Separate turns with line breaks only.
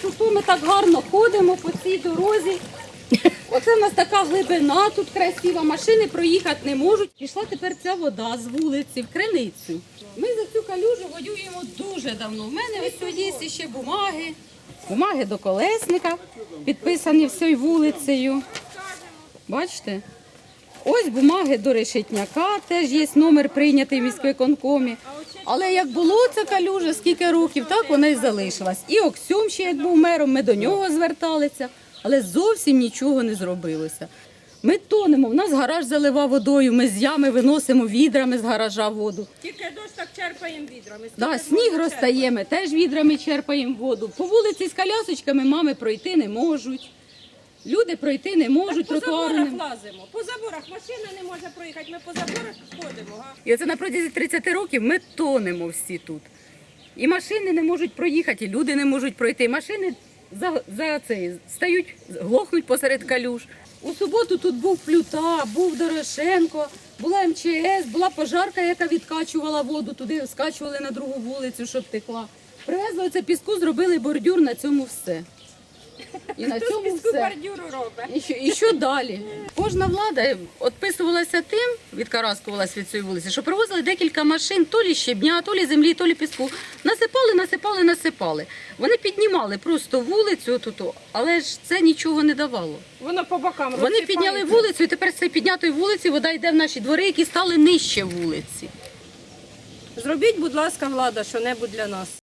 то ми так гарно ходимо по цій дорозі. Оце в нас така глибина, тут красива, машини проїхати не можуть. Пішла тепер ця вода з вулиці в криницю. Ми за цю калюжу воюємо дуже давно. У мене ось є ще бумаги. Бумаги до колесника, підписані всією вулицею. Бачите? Ось бумаги до Решетняка, теж є номер прийнятий в міськвиконкомі. Але як було ця калюжа, скільки років, так вона і залишилась. І Оксюм ще як був мером, ми до нього зверталися, але зовсім нічого не зробилося. Ми тонемо, в нас гараж залива водою, ми з ями виносимо відрами з гаража воду.
Тільки дощ так черпаємо відрами.
Да, сніг розтає, ми теж відрами черпаємо воду. По вулиці з колясочками мами пройти не можуть. Люди пройти не можуть,
По
тротуари
заборах
не...
лазимо. По заборах машина не може проїхати, ми по заборах ходимо. Га?
І оце на протязі 30 років ми тонемо всі тут. І машини не можуть проїхати, і люди не можуть пройти. Машини стають, глохнуть посеред калюж. У суботу тут був Плюта, був Дорошенко, була МЧС, була пожарка, яка відкачувала воду, туди скачували на другу вулицю, щоб текла. Привезли оце піску, зробили бордюр, на цьому все. І на
Хто з
цьому
піску
все.
бордюру робить?
І що далі? Кожна влада відписувалася тим, відкараскувалася від цієї вулиці, що привозили декілька машин, то лі щебня, то лі землі, то лі піску. Насипали. Вони піднімали просто вулицю, але ж це нічого не давало.
Воно по бокам
Вони
розсипається.
підняли вулицю, і тепер з цієї піднятої вулиці вода йде в наші двори, які стали нижче вулиці.
Зробіть, будь ласка, влада, що-небудь для нас.